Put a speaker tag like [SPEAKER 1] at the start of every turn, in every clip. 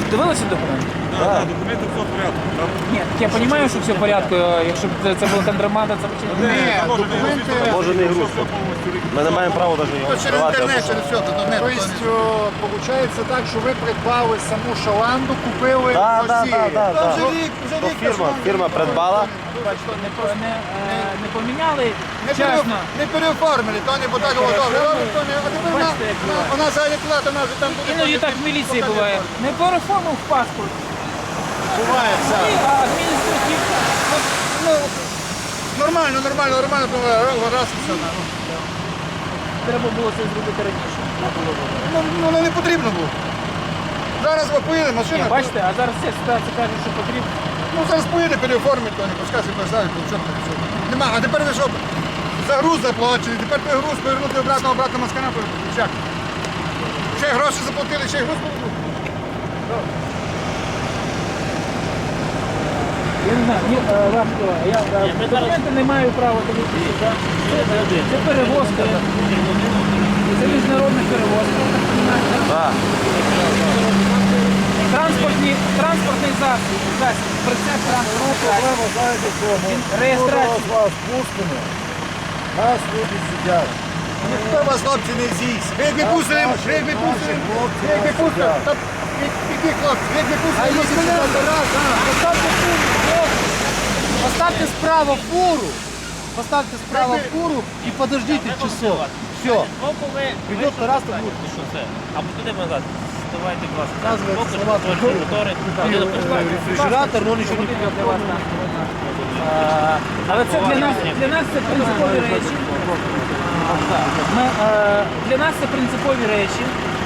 [SPEAKER 1] Дивилися документи?
[SPEAKER 2] Так, документи все в порядку.
[SPEAKER 1] Ні, я розумію, що все в порядку, якщо б це була контрабанда, це
[SPEAKER 2] Ні,
[SPEAKER 3] документи...
[SPEAKER 4] Може не грузити. Ми не маємо права навіть його
[SPEAKER 3] Через
[SPEAKER 4] відкривати.
[SPEAKER 3] інтернет, через все, то не.
[SPEAKER 5] Тобто, виходить так, що ви придбали саму шаланду, купили в
[SPEAKER 4] Так,
[SPEAKER 5] Росії.
[SPEAKER 4] так.
[SPEAKER 3] Вже рік,
[SPEAKER 4] Фірма придбала.
[SPEAKER 1] бачите, не поміняли вчасно.
[SPEAKER 3] Не переоформили, то не так було добре. То не, а тепер
[SPEAKER 1] Бачите, як буває.
[SPEAKER 3] вона зайде плата, вона вже там буде.
[SPEAKER 1] Іноді так в міліції буває. Не переформив паспорт.
[SPEAKER 5] Буває все.
[SPEAKER 1] А адміністративно.
[SPEAKER 3] Ну, нормально, то раз і все.
[SPEAKER 1] Треба було це зробити раніше.
[SPEAKER 3] Ну, воно не потрібно було. Зараз ви поїде машина.
[SPEAKER 1] Ні, бачите, а зараз ця ситуація каже, що потрібно.
[SPEAKER 3] Ну, зараз поїде, переоформить, то не пускай себе ставить, то чорт не все. Нема, а тепер ви що, за груз заплачені, тепер той груз повернути обратно Москана, як? Ще гроші заплатили, ще груз повернути.
[SPEAKER 1] Я не знаю, важко. Документи не маю права дивитися. Це перевозка. Це міжнародна перевозка.
[SPEAKER 4] Так.
[SPEAKER 1] Транспортний засіб. Прицеп транспортний. Реєстрація.
[SPEAKER 5] Вас пустимо. Нас люди сидять.
[SPEAKER 3] Ніхто вас, хлопці, не з'їсть. Ви як не пустили, та які хлопці, ви як не пустили,
[SPEAKER 5] Поставьте справа фуру. Поставьте справа фуру и подождите часов. Все. Придет Тарас, то будет.
[SPEAKER 6] Що це? Або туди назад. Давайте, будь ласка.
[SPEAKER 5] Показывается
[SPEAKER 6] Поки
[SPEAKER 5] салат.
[SPEAKER 6] що мотори.
[SPEAKER 5] Рефрижератор, но он еще не приготовлен.
[SPEAKER 1] Але це для нас це принципові речі. Для нас це принципові речі.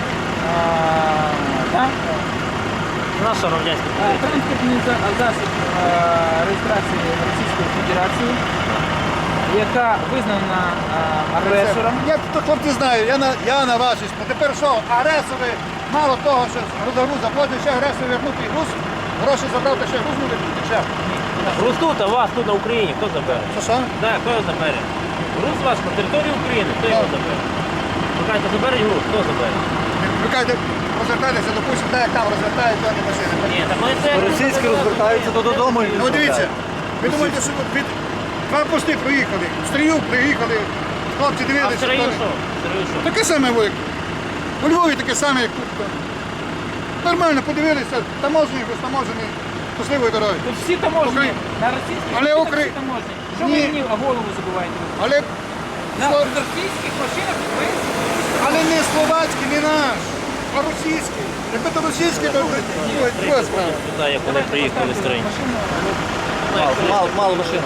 [SPEAKER 1] Так?
[SPEAKER 6] Наша радянська
[SPEAKER 1] Транспортний засіб реєстрації Російської Федерації, яка визнана агресором.
[SPEAKER 3] Я то хлопці знаю, я на вашій. Тепер що, агресори, мало того, що за груз заплатив, ще агресор вернути груз, гроші забрав, та ще груз не вернути, ще.
[SPEAKER 6] Груз тут, а вас тут на Україні, хто забере?
[SPEAKER 3] Що?
[SPEAKER 6] Так, хто його забере? Груз ваш на території України, хто його забере? Ви кажете, заберуть груз, хто забере?
[SPEAKER 3] Ви кажете, розвертайтеся, допустимо, так як там розвертають дані машини.
[SPEAKER 6] Ні, так вони це...
[SPEAKER 5] Російські розвертаються то додому. і
[SPEAKER 3] Ну дивіться, ви думаєте, що від два пости проїхали, в Стрию приїхали, хлопці
[SPEAKER 6] А в
[SPEAKER 3] дивилися.
[SPEAKER 6] Сирію
[SPEAKER 3] то не-
[SPEAKER 6] що? В Сирію що?
[SPEAKER 3] Таке саме як у Львові таке саме, як тут. Нормально подивилися, таможні, безтаможені, щасливої дороги.
[SPEAKER 1] Тут всі таможні,
[SPEAKER 3] Україна.
[SPEAKER 1] на російських
[SPEAKER 3] Але
[SPEAKER 1] машинах
[SPEAKER 3] Украї-
[SPEAKER 1] всі таможні. Що ви
[SPEAKER 3] Ні.
[SPEAKER 1] мені голову забуваєте?
[SPEAKER 3] Але,
[SPEAKER 1] На російських машинах ви
[SPEAKER 3] але не словацький, не наш, а російський. Якби то російський, то друга справа.
[SPEAKER 6] Туди, як вони приїхали з країни.
[SPEAKER 5] Мало машин.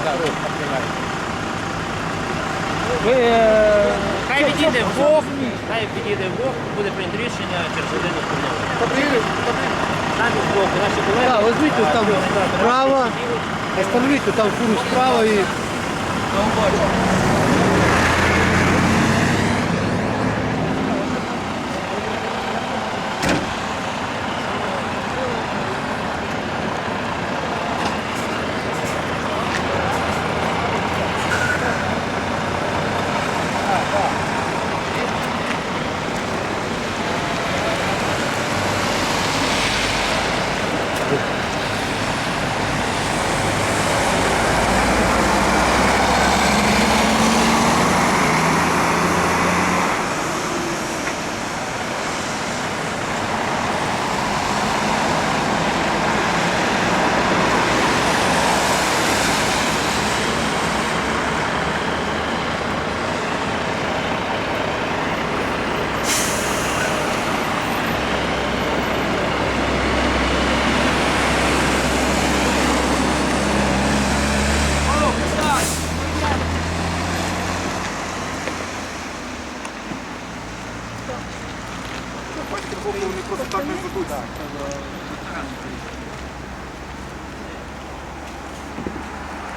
[SPEAKER 1] Ви
[SPEAKER 6] Хай відійде Бог, хай відійде Бог, буде прийнято рішення через годину спільного. Самі з боку, наші колеги.
[SPEAKER 5] Да, возьмите там справа, остановите там фуру справа и...
[SPEAKER 3] Вони просто так не задуться.